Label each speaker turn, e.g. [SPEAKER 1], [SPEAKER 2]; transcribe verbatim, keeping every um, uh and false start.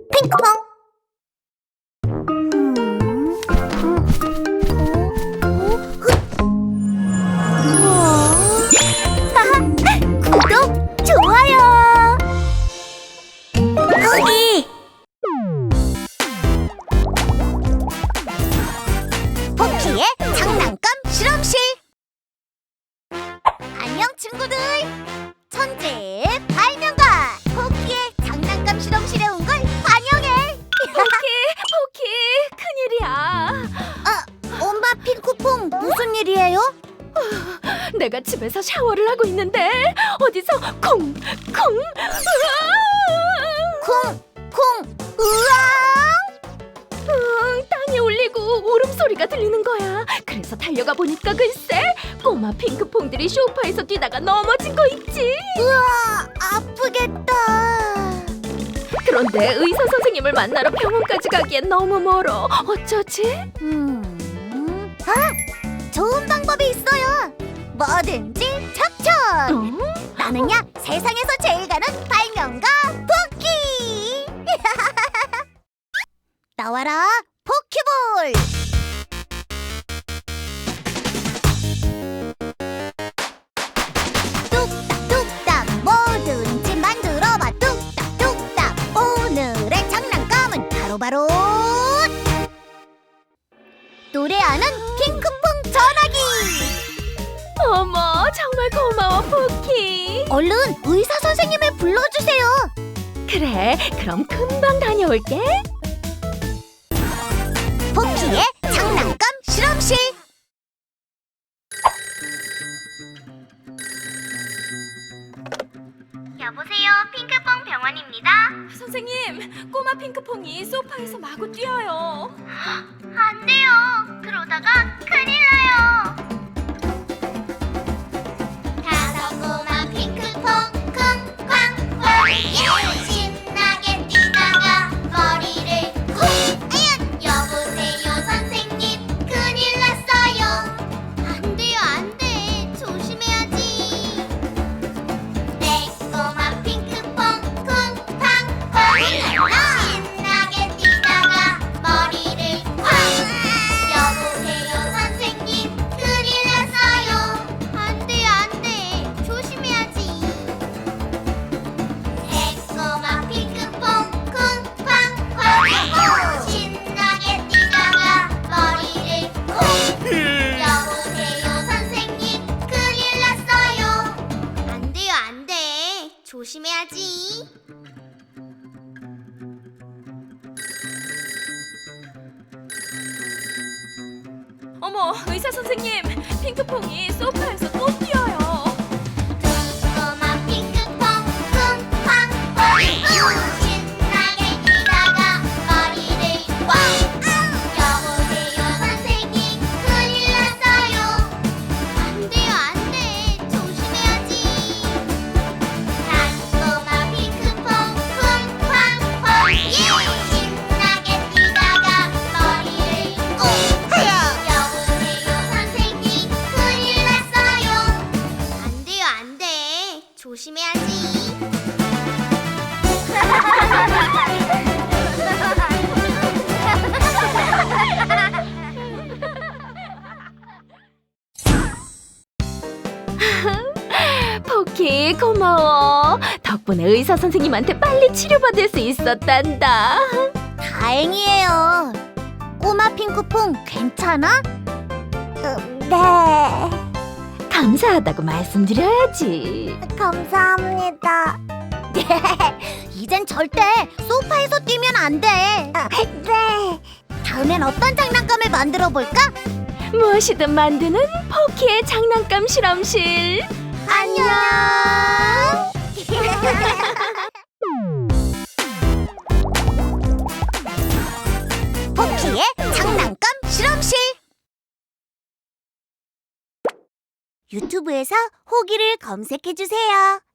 [SPEAKER 1] 핑크퐁. 구독, 좋아요. 여기 포키의 장난감 실험실. 안녕 친구들. 천재의 발명가 포키의 장난감 실험실에 온 걸 환영해.
[SPEAKER 2] 포키, 포키, 큰일이야.
[SPEAKER 1] 어, 엄마 핑크퐁 무슨 일이에요?
[SPEAKER 2] 내가 집에서 샤워를 하고 있는데 어디서 콩, 콩,
[SPEAKER 1] 콩, 콩, 으앙!
[SPEAKER 2] 으앙, 땅에 울리고 울음소리가 들리는 거야. 그래서 달려가 보니까 글쎄 꼬마 핑크퐁들이 소파에서 뛰다가 넘어진 거 있지.
[SPEAKER 1] 으아, 아프겠다.
[SPEAKER 2] 그런데 의사 선생님을 만나러 병원까지 가기엔 너무 멀어. 어쩌지?
[SPEAKER 1] 음, 아, 좋은 방법이 있어요. 뭐든지 척척.
[SPEAKER 2] 어?
[SPEAKER 1] 나는야 세상에서 제일 가는 발명가 포키. 나와라 포키볼. 뚝딱뚝딱 뭐든지 만들어봐. 뚝딱뚝딱 오늘의 장난감은 바로바로 노래하는 핑크퐁 전화기.
[SPEAKER 2] 어머, 정말 고마워 포키.
[SPEAKER 1] 얼른 의사 선생님을 불러주세요.
[SPEAKER 2] 그래, 그럼 금방 다녀올게.
[SPEAKER 1] 포키의 장난감 실험실.
[SPEAKER 3] 여보세요, 핑크퐁 병원입니다.
[SPEAKER 2] 선생님, 꼬마 핑크퐁이 소파에서 마구 뛰어요.
[SPEAKER 3] 안 돼요. 그러다가 큰일 나요. 다섯 꼬마 핑크퐁 쿵쾅쾅 신나게 뛰다가 머리를 쿵. 여보세요, 선생님. 큰일 났어요. 안 돼요, 안 돼. 조심해야지. 네, 꼬마 핑크퐁 쿵쾅쾅 신나게 뛰다가 머리를 쾅. 여보세요, 선생님. 큰일 났어요. 안 돼요, 안 돼. 조심해야지. 네, 꼬마 핑크퐁 쿵쾅쾅 신나게 뛰다가 머리를 쿵. 여보세요, 선생님. 큰일 났어요. 안 돼요, 안 돼. 조심해야지.
[SPEAKER 2] 어머, 의사 선생님, 핑크퐁이 소파에서 또 뛰어요.
[SPEAKER 3] 꼬마 핑크퐁 쿵쾅쾅 신나게 뛰다가 머리를 꽝. 여보세요, 선생님. 큰일 났어요. 안 돼요, 안 돼. 조심해야지. 꼬마 핑크퐁 쿵쾅쾅 신나게 뛰다가 머리를 꽁. 여보세요, 선생님. 큰일 났어요. 안 돼요, 안 돼. 조심해야지.
[SPEAKER 2] 포키, 고마워. 덕분에 의사 선생님한테 빨리 치료받을 수 있었단다.
[SPEAKER 1] 다행이에요. 꼬마 핑크퐁 괜찮아? 네,
[SPEAKER 2] 감사하다고 말씀드려야지.
[SPEAKER 1] 감사합니다. 이젠 절대 소파에서 뛰면 안 돼. 네. 다음엔 어떤 장난감을 만들어 볼까?
[SPEAKER 2] 무엇이든 만드는 포키의 장난감 실험실.
[SPEAKER 1] 안녕. 포키의 장난감 실험실. 유튜브에서 호기를 검색해 주세요.